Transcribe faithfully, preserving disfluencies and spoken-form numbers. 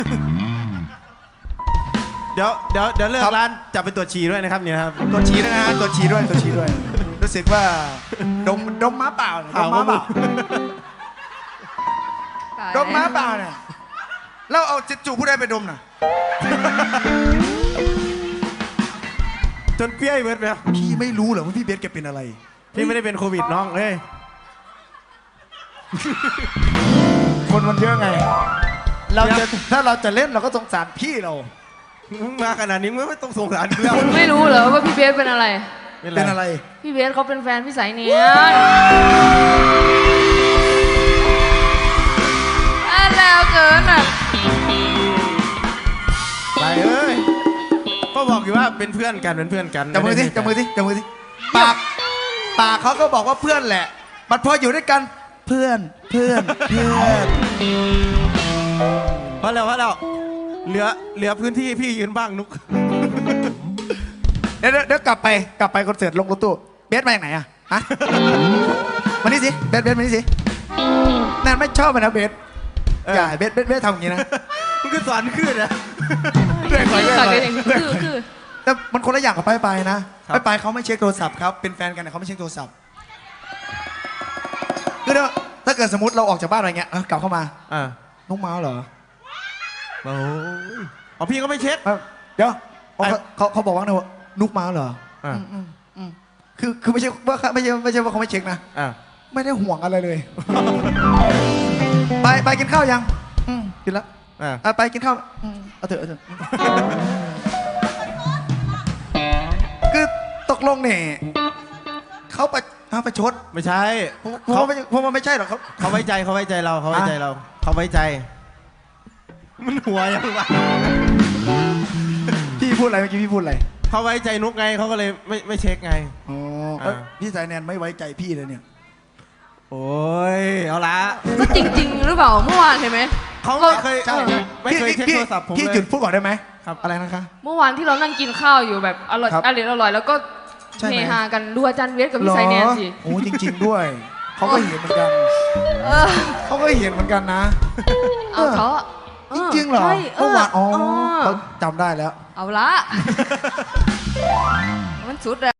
เดี๋ยวเดี๋ยวเดี๋ยวเลิกร้านจะไปตรวจฉี่ด้วยนะครับเนี่ยครับตรวจฉี่ด้วยนะฮะตรวจฉี่ด้วยตรวจฉี่ด้วยรู้สึกว่าดมดมม้าเปล่าดมม้าเปล่าดมม้าเปล่าเนี่ยแล้วเอาจิจูผู้ใดไปดมน่ะจนเปี้ยเบิร์ดแล้วพี่ไม่รู้เหรอว่าพี่เบสแกเป็นอะไรพี่ไม่ได้เป็นโควิดน้องเอ้ยคนมันเยอะไง เราจะถ้าเราจะเล่นเราก็สงสารพี่เรามึงมาขนาดนี้มึงไม่ต้องสงสารกูแล้วคุณไม่รู้เหรอว่าพี่เบสเป็นอะไรเป็นอะไรพี่เบสเขาเป็นแฟนพี่สายเนียนอ่ะแล้วเกินอ่ะไปเอ้ยก็บอกอยู่ว่าเป็นเพื่อนกันเป็นเพื่อนกันจับมือสิจับมือสิจับมือสิปากปากเขาก็บอกว่าเพื่อนแหละมันพออยู่ด้วยกันเพื่อนเพื่อนเพื่อนเพราะแล้วเพราะแล้วเหลือเหลือพื้นที่พี่ยืนบ้างนุกเดี๋ยวเดี๋ยวกลับไปกลับไปคอนเสิร์ตลงรถตู้เบสมาจากไหนอะฮะมานี่สิเบสเบสมานี่สิแนนไม่ชอบมันนะเบสอย่าเบสเบสเบสทำอย่างนี้นะมึงก็สอนขึ้นนะเรื่อยไปเรื่อยต่อไปกันอย่างนี้คือคือแต่มันคนละอย่างกับไปไปนะไปไปเขาไม่เช็คโทรศัพท์ครับเป็นแฟนกันแต่เขาไม่เช็คโทรศัพท์คือถ้าเกิดสมมติเราออกจากบ้านอะไรเงี้ยกลับเข้ามาอ่าน้องเมาเหรอโอ้ยอ๋อพี่ก็ไม่เช็คเดี๋ยวเขาเขาเขาบอกว่าไงว่านุกมาเหรออ่าอืมอืมคือคือไม่ใช่ว่าไม่ใช่ไม่ใช่ว่าเขาไม่เช็คนะอ่าไม่ได้ห่วงอะไรเลย ไปไปกินข้าวยังอืมกินแล้วอ่าอ่ะไปกินข้าวอืมเอาเถอะเอาเถอะคือตกลงเนี่ยเขาไปเขาไปชดไม่ใช่เพราะว่าไม่เพราะว่าไม่ใช่หรอกเขาเขาไว้ใจเขาไว้ใจเราเขาไว้ใจเราเขาไว้ใจ มันหัวยังวะพี่พูดอะไรเมื่อกี้พี่พูดอะไรเขาไว้ใจนุกไงเขาก็เลยไม่ไม่เช็คไงอ๋ออ่าพี่สายแนนไม่ไว้ใจพี่เลยเนี่ยโอ้ยเอาละก็จริงๆหรือเปล่าเมื่อวานเห็นไหมเขาไม่เคยใช่ไม่เคยเช็คพี่โทรศัพท์ผมพี่เลยหยุดพูดก่อนได้ไหมครับอะไรนะคะเมื่อวานที่เรานั่งกินข้าวอยู่แบบอร่อยครับอร่อยอร่อยแล้วก็ใช่ไหมเฮฮากันดูอาจารย์เวสกับพี่สายแนนสิโอ้จริง ๆ ด้วย เขาก็เห็นเหมือนกันเออเขาก็เห็นเหมือนกันนะเอาเขาจริงๆเหรอใช่เมื่อวานอ๋อเออเขาจำได้แล้วเอาละมันสุดแล้ว